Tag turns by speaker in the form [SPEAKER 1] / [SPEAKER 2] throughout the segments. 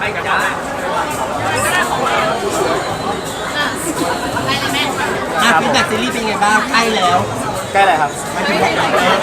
[SPEAKER 1] กันบ้างฟีดแบ็กซีรีส์เป็นไงบ้างใกล้แล้ว
[SPEAKER 2] ใกล้อะไรครับ
[SPEAKER 1] ไม่ถึงว่า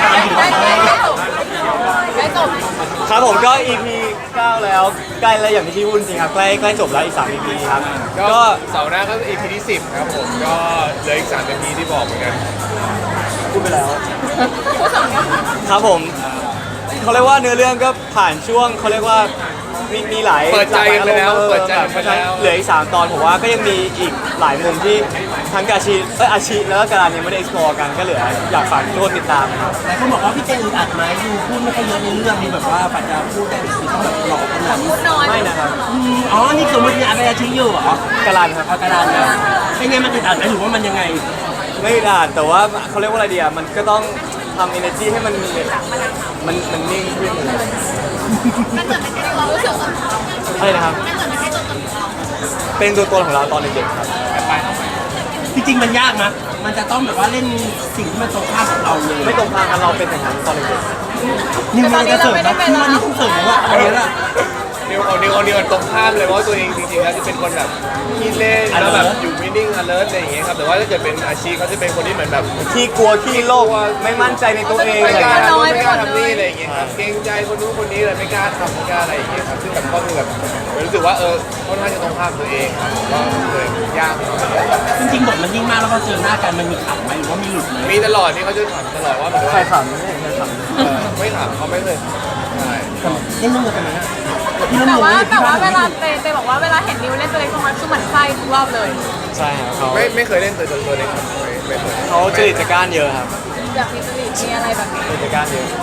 [SPEAKER 1] ใกล้จบ
[SPEAKER 2] ครับผมก็ EP 9แล้วใกล้แล้วอย่างที่พี่พูดจริงครับใกล้จบแล้วอีก3 EP ครับ
[SPEAKER 3] ก็เสาร์หน้าก็ EP ที่10ครับผมก็เหลืออีก3 EP ที่บอกเหมือนกัน
[SPEAKER 2] พูดไปแล้วครับผมเขาเรียกว่าเนื้อเรื่องก็ผ่านช่วงเขาเรียกว่ามีหลาย
[SPEAKER 3] เปิดใจไปแล้วเปิดใจไปแล้ว
[SPEAKER 2] เหลืออีก3 ตอนผมว่าก็ยังมีอีกหลายมุมที่ทั้งอาชีแล้วก็การยังไม่ได้ explore กันก็เหลืออยากฝากทุกคนติดตามครับ
[SPEAKER 1] หลายคนบอกว่าพี่เจอึดอัดไหมดูพูดไม่ค่อยเยอะในเรื่องนี้แบบว่าปัจจัยพูดได้คือต้องแบบหลอกขนาดนี้
[SPEAKER 2] ไม่นะครับ
[SPEAKER 1] อ๋อนี่สมมติอาเป็นอาชีพอยู่เหร
[SPEAKER 2] อกาลันครับ
[SPEAKER 1] กาลันนะเป็นไงมันอึดอัดไหมหรือว่ามันยังไง
[SPEAKER 2] ไม่อึดอัดแต่ว่าเขาเรียกว่าอะไรดีอ่ะมันก็ต้องทำ energy ให้มันนิ่งขึ้น
[SPEAKER 4] มันจะไม่ใช่ตัวรู้สึก
[SPEAKER 2] อะไรนะครับเป็นตัวตนของเราตอนเด็กๆครับ
[SPEAKER 1] จริงๆมันยากนะมันจะต้องแบบว่าเล่นสิ่งที่มันตรงข้ามกับเราเลย
[SPEAKER 2] ไม่ตรงข้ามกันเราเป็นอย่างนั้นตอนเด็ก
[SPEAKER 1] ๆนิวมันจะเสริมนะที่มันต้องเสริมว่าอะไรล่ะ
[SPEAKER 3] นิวตรงข้ามเลยเพราะตัวเองจริงๆแล้วจะเป็นคนแบบขี้เล่นแล้วแบบอยู่นิ่งๆ alert อะไรอย่างเงี้ยครับแต่ว่าถ้าเกิดเป็นอาชีพเขาจะเป็นคนที่เหมือนแบบ
[SPEAKER 2] ขี้กลัวขี้โลภไม่มั่นใจในตัวเอง
[SPEAKER 3] ไม่กล้าทำนี่อะไรอย่างเงี้ยครับเกรงใจคนนู้นคนนี้เลยไม่กล้าทำไม่กล้าอะไรอย่างเงี้ยครับซึ่งแบบก็คือแบบรู้สึกว่าค่อนข้างจะตรงข้ามตัวเองก็เลยยาก
[SPEAKER 1] จริงๆบทมันยิ่งมากแล้วพอเจอหน้ากันมันมีขำไหมหรือว่ามีหลุดไหม
[SPEAKER 3] มีตลอดนี่เขาจะถามตลอดว่า
[SPEAKER 2] ใครขำไม่ข
[SPEAKER 3] ำไม่ถามเขาไม่เลยใช่
[SPEAKER 1] เล่นเรื่องกันไหม
[SPEAKER 4] แต่ว่าเวลาเตบอกว่าเวลาเห็นนิวเล่นตัวเล็กตัวน้อยคือเหมือนไส้ทุกรอบเลย
[SPEAKER 2] ใช่ครับเขา
[SPEAKER 3] ไม่เคยเล่นตัวเล็กครับไม่เคย
[SPEAKER 2] เขาจริตจักรานเยอะครับ
[SPEAKER 4] อยากมีจริตมีอะไรแบบนี้
[SPEAKER 2] จริตจักรานเยอะ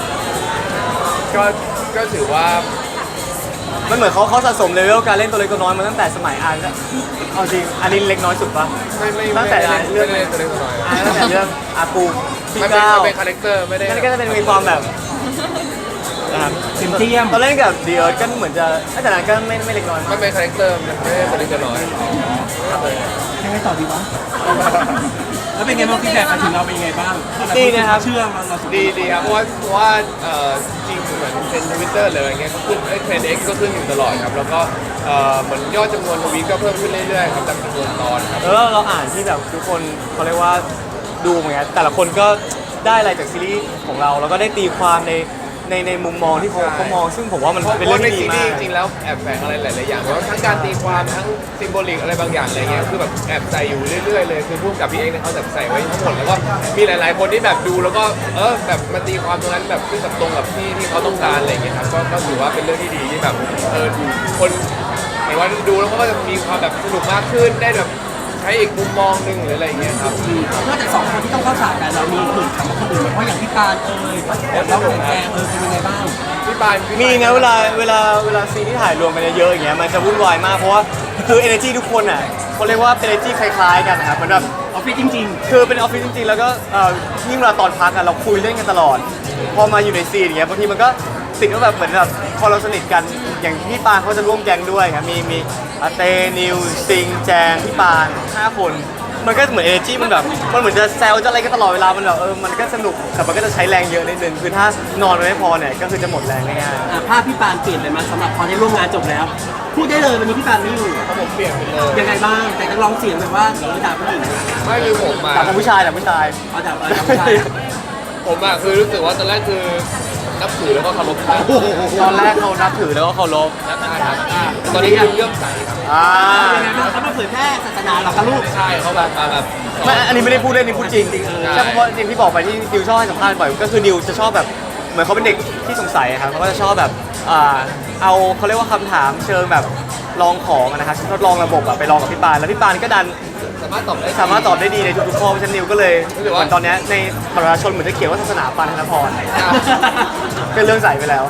[SPEAKER 3] ก็ถือว่า
[SPEAKER 2] มันเหมือนเขาสะสมเลเวลการเล่นตัวเล็กตัวน้อยมาตั้งแต่สมัยอ่านเอาจริงอันนี้เล็กน้อยสุดปะ
[SPEAKER 3] ไม่
[SPEAKER 2] ตั้งแต่เรื่อง
[SPEAKER 3] ตัวเล็กตัวน้อย
[SPEAKER 2] ตั้งแต่เรื่องอาปู
[SPEAKER 3] พี่ก้าวเป็นคาแรคเตอร์ไม่ได้
[SPEAKER 2] ก็จะเป็นมีความแบบ
[SPEAKER 1] นะครับเทียม
[SPEAKER 2] ตอนเล่นกับเดียร์ก็เหมือนจะแต่นั้นก็ไม่เล็กน้อย
[SPEAKER 3] มันเป็นคาแรคเตอร์ไม่ได้ตัวเล็กตัวน้อย
[SPEAKER 1] ยังไงต่อดีวะแล้วเป็นไงบ้างฟีดแบ็กมาถึงเราเป็นยังไงบ้าง
[SPEAKER 2] ดีนะครับ
[SPEAKER 3] เชื่อเราดีครับเพราะว่าจริงเหมือนเป็น Twitter เลยอะไรเงี้ยก็ขึ้นเทรนด์ X ก็ขึ้นอยู่ตลอดครับแล้วก็เหมือนยอดจำนวนทวีตก็เพิ่มขึ้นเรื่อยๆครับตามจำนวนตอนครับ
[SPEAKER 2] เราอ่านที่แบบทุกคนเขาเรียกว่าดูเหมือนกันแต่ละคนก็ได้อะไรจากซีรีส์ของเราแล้วก็ได้ตีความในมุมมองที่เขามองซึ่งผมว่ามันเป็นเรื่องที่ดีมาก
[SPEAKER 3] จริงๆแล้วแอบแฝงอะไรหลายๆอย่างเพราะทั้งการตีความทั้งซิมโบลิกอะไรบางอย่างอะไรเงี้ยคือแบบแอบใส่อยู่เรื่อยๆเลยคือพูดกับพี่เองเนี่ยเขาแบบใส่ไว้ทั้งหมดแล้วก็มีหลายๆคนที่แบบดูแล้วก็แบบมาตีความตรงนั้นแบบที่แบบตรงกับที่เขาต้องการอะไรเงี้ยครับก็ถือว่าเป็นเรื่องที่ดีที่แบบคนหมายว่าดูแล้วก็จะมีความแบบสนุกมากขึ้นได้แบบใช้อีกมุมมองหนึ่งหรืออะไรอย่างเงี้ยครับ
[SPEAKER 1] นอกจาก2 คนที่ต้องเข้าฉากกันเรามีหลุดคำว่าคนอื่นเพราะอย่างพี่ปานแล้วแกเป็นยังไงบ้าง
[SPEAKER 3] พี่ปาน
[SPEAKER 2] มีนะเวลาซีนที่ถ่ายรวมกันเยอะๆอย่างเงี้ยมันจะวุ่นวายมากเพราะว่าคือ energy ทุกคนอ่ะเขาเรียกว่า energy คล้ายๆกันนะครับเหมือนแบบ
[SPEAKER 1] ออฟฟิศจริง
[SPEAKER 2] ๆคือเป็นออฟฟิศจริงๆแล้วก็ยิ่งเวลาตอนพักอะเราคุยเล่นกันตลอดพอมาอยู่ในซีนอย่างเงี้ยบางทีมันก็ติดว่าแบบเหมือนแบบพอเราสนิทกันอย่างพี่ปานเขาจะร่วมแก๊งด้วยครับมีเตนิวซิงแจงพี่ปาน5 คนมันก็เหมือน energy มันแบบมันเหมือนจะแซวจะอะไรก็ตลอดเวลามันแบบมันก็สนุกแต่มันก็จะใช้แรงเยอะนิดนึงคือถ้านอนไม่พอเนี่ยก็คือจะหมดแรงง่าย
[SPEAKER 1] ๆภาพพี่ปานเปลี่ยนเลยมาสำหรับพอได้ร่วมงานจบแล้วพูดได้เลยวันนี้พี่ปานไม่อยู่
[SPEAKER 3] ผมเปลี่ยนไปเลย
[SPEAKER 1] ยังไงบ้างแต่ก็ร้องเสียงแบบว่าด่าผู้หญิง
[SPEAKER 3] ไม่คือผมมา
[SPEAKER 2] ด่าผู้ชายด่าผู้ชาย
[SPEAKER 1] ด่าผู้ชาย
[SPEAKER 3] ผมอะคือรู้สึกว่าตอนแรกคือนับถือแล้วก็เคารพ
[SPEAKER 2] ตอนแรกเขานับถือแล้วก็เคารพ
[SPEAKER 3] นะครับตอนนี้คือเรื่องใสครับ
[SPEAKER 1] ยังไงบ้างเขามาเผยแพร่ศาสนาหรอครับลูก
[SPEAKER 3] ใช่เขาแบบ
[SPEAKER 2] ไม่อันนี้ไม่ได้พูดเล่นนี่พูดจริงใช่เพราะจริงที่บอกไปที่นิวชอบให้สัมภาษณ์บ่อยก็คือนิวจะชอบแบบเหมือนเขาเป็นเด็กที่สงสัยครับเขาก็จะชอบแบบเอาเขาเรียกว่าคำถามเชิงแบบลองของนะครับทดลองระบบไปลองกับพี่ปานแล้วพี่ปานก็ดัน
[SPEAKER 3] สามารถต
[SPEAKER 2] อบได้ดีในทุกๆข้อเพราะฉะนั้นนิวก็เลยเหมือนตอนนี้ในประชาชนเหมือนจะเขียนว่าศาสนาปานธนพรเป็นเรื่องใส่ไปแล้ว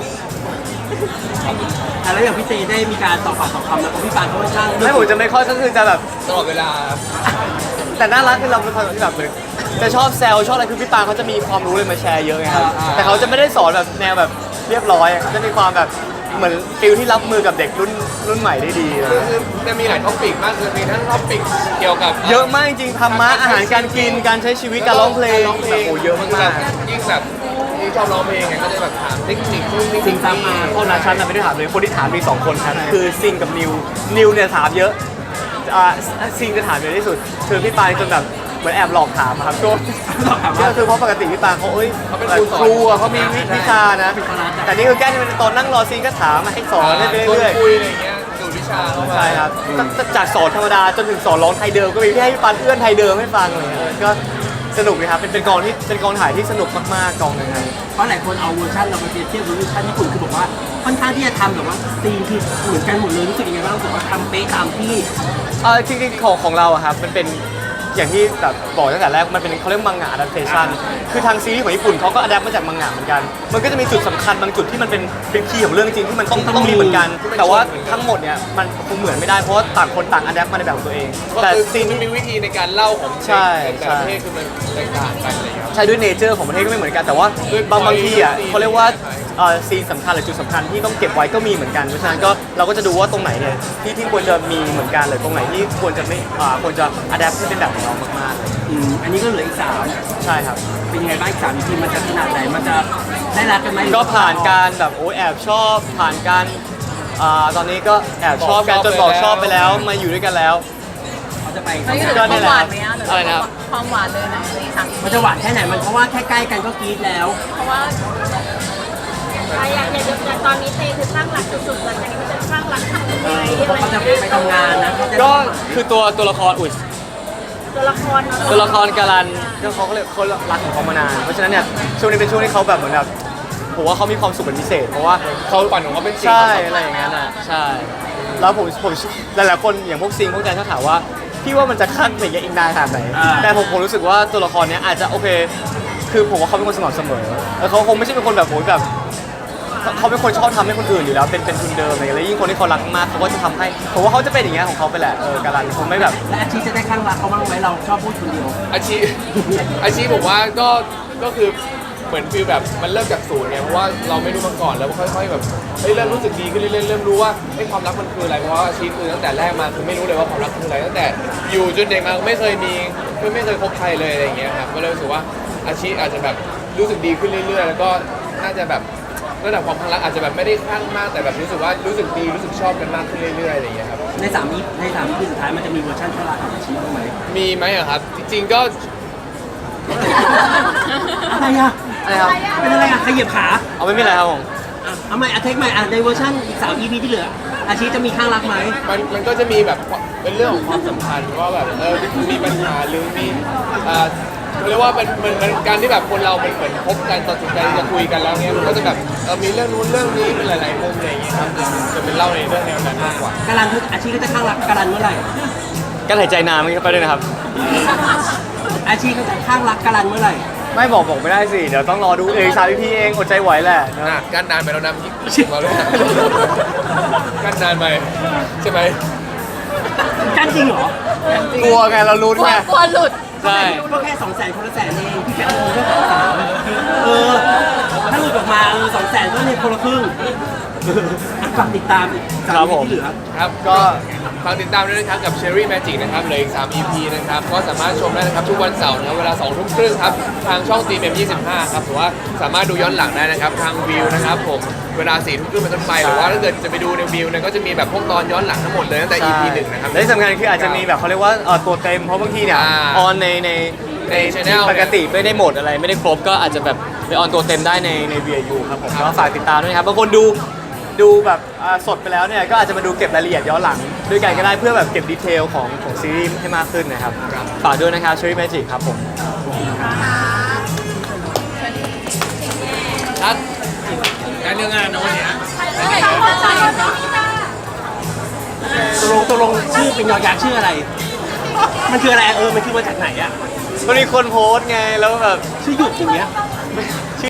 [SPEAKER 1] แล้วอย่างพี่เจได้มีการตอบปากตอบคำแล้วพี่ปานเขาค่อนข้าง
[SPEAKER 2] ไม่ผมจะไม่ค่อยก็คือจะแบบ
[SPEAKER 3] ตลอดเวลา
[SPEAKER 2] แต่น่ารักคือเราเป็นคนที่แบบเลยจะชอบแซวชอบอะไรคือพี่ปานเขาจะมีความรู้เลยมาแชร์เยอะไงครับแต่เขาจะไม่ได้สอนแบบแนวแบบเรียบร้อยเขาจะมีความแบบเหมือนฟิลที่รับมือกับเด็กรุ่นใหม่ได้ดี
[SPEAKER 3] คือจะมีหลายท็อปิกมากคือมีทั้งท็อปิกเกี่ยวกับ
[SPEAKER 2] เยอะมากจริงธรรมะอาหารการกินการใช้ชีวิตการร้องเพลงแบบโอ้เยอะมาก
[SPEAKER 3] ยิ่งแบบที่ชอบร้องเพลงไงก็จะแบบถามเทคนิคนู่นนี่
[SPEAKER 1] สิ่งตามมา
[SPEAKER 2] โทษนะฉันน่ะไม่ได้ถามเลยคนที่ถามมี2คนครับคือซิงกับนิวเนี่ยถามเยอะซิงจะถามเยอะที่สุดคือพี่ปายจนแบบเหมือนแอบหลอกถามอะครับช่วงก็คือเพราะปกติพี่ปายเขาแบบครูอะเขามีวิชานะแต่นี่คือแก้ที่เป็นตอนนั่งรอซิงก็ถามมาให้สอนไปเรื่อย
[SPEAKER 3] คุยอะไรอย่างเงี้ยดูดวิชาเข้า
[SPEAKER 2] ๆ
[SPEAKER 3] มา
[SPEAKER 2] ใช่ครับจากสอนธรรมดาจนถึงสอนร้องไทยเดิมก็มีพี่ให้พี่ปายเอื้อนไทยเดิมให้ฟังอะไรเลยก็สนุกเลยครับเป็นกองถ่ายที่สนุกมากๆกองหนึงครับ
[SPEAKER 1] เพราะหลายคนเอาเวอร์ชันเรามาเปรียบเทียบกับเวอร์ชันญี่ปุ่นคือบอกว่าค่อนข้างที่จะทำแบบว่าซีนที่เหมือนกันหมดเลยรู้สึกยังไงบ้างรู้สึกว่าทำเป๊ะตามที่
[SPEAKER 2] จริงๆของเราอะครับมันเป็นอย่างที่แบบบอกตั้งแต่แรกมันเป็นเขาเรียกมังงะ adaptation คือทางซีรีส์ของญี่ปุ่นเขาก็ adapt มาจากมังงะเหมือนกันมันก็จะมีจุดสำคัญบางจุดที่มันเป็นคีย์ของเรื่องจริงที่มันต้องมีเหมือนกัน แต่ว่าทั้งหมดเนี่ยมันคงเหมือนไม่ได้เพราะว่าต่างคนต่าง adapt มาในแบบของตัวเอง
[SPEAKER 3] ก็
[SPEAKER 2] แต่
[SPEAKER 3] คือ
[SPEAKER 2] ซีน
[SPEAKER 3] มันมีวิธีในการเล่าของ
[SPEAKER 2] ใช่
[SPEAKER 3] แต่ละประเทศคือมันแตกต่างกันอะไรอย่างเงี้ยครับ
[SPEAKER 2] ใช่ด้วยเนเจอร์ของประเทศก็ไม่เหมือนกันแต่ว่า
[SPEAKER 3] ด้วย
[SPEAKER 2] บางทีอ่ะ
[SPEAKER 3] point
[SPEAKER 2] เขาเรียกว่าซีนสำคัญหรือจุดสำคัญที่ต้องเก็บไว้ก็มีเหมือนกันเพราะฉะนั้นก็เราก็จะดูว่าตรงไหนเนี่ยที่ควรจะมีเหมือนกันหรือตรงไหนที่ควรจะไม่ควรจะ adapt ให้เป็นแบบของเรามากๆ
[SPEAKER 1] อันนี้ก็เหลืออีก3
[SPEAKER 2] ใช่ครับ
[SPEAKER 1] เป็นยังไงบ้างอีก3 EP มันจะขนาดไหนมันจะได้รักกันไหม
[SPEAKER 2] ก็ผ่านการแบบโอ้ยแอบชอบผ่านการตอนนี้ก็แอบชอบกันจนบอกชอบไปแล้วมาอยู่ด้วยกันแล้ว
[SPEAKER 1] เขาจะไป
[SPEAKER 4] มันอยู่
[SPEAKER 2] ก็
[SPEAKER 4] ใน
[SPEAKER 2] นี่
[SPEAKER 4] ความ
[SPEAKER 2] แหละ
[SPEAKER 4] หวานไหมอ่ะหรือ
[SPEAKER 2] อะไรนะครับ
[SPEAKER 4] ความหวานเลยนะในสาม
[SPEAKER 1] มันจะหวานแค่ไหนมันเพราะว่าแค่ใกล้กันก็กรี๊ดแล้ว
[SPEAKER 4] เพราะว่า
[SPEAKER 5] อย่างตอนนี้เตคือสร้างหลักสุดๆหลังจากนี้มันจะสร้างหลักทำยังไง
[SPEAKER 1] เพราะเขาจะไปทำงานนะเขาจะ
[SPEAKER 2] ก็คือตัวละครอุ่น
[SPEAKER 5] ตัวละครเนาะ
[SPEAKER 2] ตัวละครการันก็เขาก็เลยเขารักของเขามานานเพราะฉะนั้นเนี่ยช่วงนี้เป็นช่วงที่เขาแบบเหมือนแบบผมว่าเขามีความสุขเป็นพิเศษ เพราะว่า
[SPEAKER 3] เขาฝันของเขาเป็นจริง
[SPEAKER 2] ใช่อะไรอย่างนั้นอ่ะใช่แล้วผมหลายๆคนอย่างพวกซิงพวกแดนเขาถามว่าพี่ว่ามันจะขั้นไปอีกนานขนาดไหนแต่ผมรู้สึกว่าตัวละครเนี้ยอาจจะโอเค คือผมว่าเขาเป็นคนสม่ำเสมอแล้วเขาคงไม่ใช่เป็นคนแบบโหยแบบเขาเป็นคนชอบทำให้คนอื่นอยู่แล้วเป็นทุนเดิมอะไรอย่างเงี้ยแล้วยิ่งคนที่เขารักมากเขาก็จะทำให้ผมว่าเขาจะเป็นอย่างเงี้ยของเขาไปแหละการันคงไม่แบบ
[SPEAKER 1] และอาชีพจะได้ข้างรักเขาบ้างไหมเราชอบพูดคนเดียว
[SPEAKER 3] อาชีพผมว่าก็คือเหมือนฟีลแบบมันเริ่มจากศูนย์ไงเพราะว่าเราไม่รู้มาก่อนแล้วค่อยๆแบบเริ่มรู้สึกดีขึ้นเรื่อยๆเริ่มรู้ว่าความรักมันคืออะไรเพราะว่าอาชีพคือตั้งแต่แรกมาคือไม่รู้เลยว่าความรักคืออะไรตั้งแต่อยู่จนเด็กมาไม่เคยคบใครเลยอะไรอย่างเงี้ยครับก็เลยรู้สึกว่าอาชีพอาจจะแบบรู้สึกดีขึ้นเรื่อยๆ แล้วก็น่าจะแบบระดับความรักอาจจะแบบไม่ได้คลั่งมากแต่แบบรู้สึกว่ารู้สึกดีรู้สึกชอบกันมากขึ้นเรื่อยๆอะไรอย่างเงี้ยครับ
[SPEAKER 1] ใน3 EP สุดท้ายมันจะมีเวอร์ชันข้างรักของอาชีพบ้างไหม
[SPEAKER 3] มีไหมอะครับจริงๆก็
[SPEAKER 1] อะไรอ่ะ
[SPEAKER 2] อะไรครับ
[SPEAKER 1] เป็นอะไรอ่ะขยับขา
[SPEAKER 2] เอาไม่มีอะไรครับผม
[SPEAKER 1] เอาใหม่เทคใหม่ในเวอร์ชันอีก3 EP ที่เหลืออาชีพจะมีข้างรักไหม
[SPEAKER 3] มันก็จะมีแบบเป็นเรื่องของความสัมพันธ์ว่าแบบมีปัญหาหรือมีเขาเรียกว่าเป็นการที่แบบคนเราเป็นเหมือนคบกันตัดสินใจจะคุยกันแล้วเนี้ยมันก็จะแบบมีเรื่องนู้นเรื่องนี้เป็นหลายๆมุมอะไรอย่างเงี้ยครับจะเป็นเล่าในเรื่องแนวนั้นมากกว่า
[SPEAKER 1] การันอาชีพก็จะข้างรักการันเมื่อไหร่
[SPEAKER 2] การหายใจนานมันก็ไปด้วยนะครับ
[SPEAKER 1] อาชีพก็จะข้างรักการันเมื่อไหร่
[SPEAKER 2] ไม่บอกไม่ได้สิเดี๋ยวต้องรอดูเองสามพี่เองอดใจไหวแหละนะ
[SPEAKER 3] น่ะกั้นนานไปแล้วนะยิ่งมาเลยกั้นนานไปใช่ไหม
[SPEAKER 1] กันจริงเหรอก
[SPEAKER 2] ลัวไงเราลุ้น
[SPEAKER 4] กลัว
[SPEAKER 2] ไง
[SPEAKER 4] กลัวหลุด
[SPEAKER 2] ใช่
[SPEAKER 1] ก็แค่200,000คนละแสนเองพี่แค่เอาแค่3ถ้าหลุดออกมา200,000ก็เนี่ยคนละครึ่งฝากติดตามอีก3 EP ที่เหลือ
[SPEAKER 3] ครับก็ฝากติดตามด้วยนะครับกับ Cherry Magic นะครับเหลืออีก3 EP นะครับก็สามารถชมได้นะครับทุกวันเสาร์นะครับเวลา 2 ทุ่มครึ่งครับทางช่อง TMM25 ครับหรือว่าสามารถดูย้อนหลังได้นะครับทางวิวนะครับผมเวลา 4 ทุ่มครึ่งเป็นต้นไปหรือว่าถ้าเกิดจะไปดูในวิวเนี่ยก็จะมีแบบพวกตอนย้อนหลังทั้งหมดเลยตั้งแต่ EP 1นะครับ
[SPEAKER 2] และที่สำคัญคืออาจจะมีแบบเขาเรียกว่าตัวเต็มเพราะบางทีเนี่ย
[SPEAKER 3] อ่า
[SPEAKER 2] ออนใน
[SPEAKER 3] channel
[SPEAKER 2] ปกติไม่ได้หมดอะไรไม่ได้ครบก็อาจจะแบบไปออนตัวเต็มได้ใน VIU ครับผมก็ฝากติดตามด้วยนะครับบางคนดูแบบสดไปแล้วเนี่ยก็อาจจะมาดูเก็บรายละเอียดย้อนหลังด้วยกันก็ได้เพื่อแบบเก็บดีเทลของซีรีส์ให้มากขึ้นนะครับฝากด้วยนะครับ Cherry Magic ครับผม
[SPEAKER 3] ชัดการเรื่องงานนะวันนี้
[SPEAKER 1] ตกลงชื่อเป็นยอยักษ์ชื่ออะไร มันคืออะไรมันคือมาจากไหนอ่ะ
[SPEAKER 2] มันมีคนโพสต์ไงแล้วแบบ
[SPEAKER 1] ชื่อหยุดอย่างเงี้ย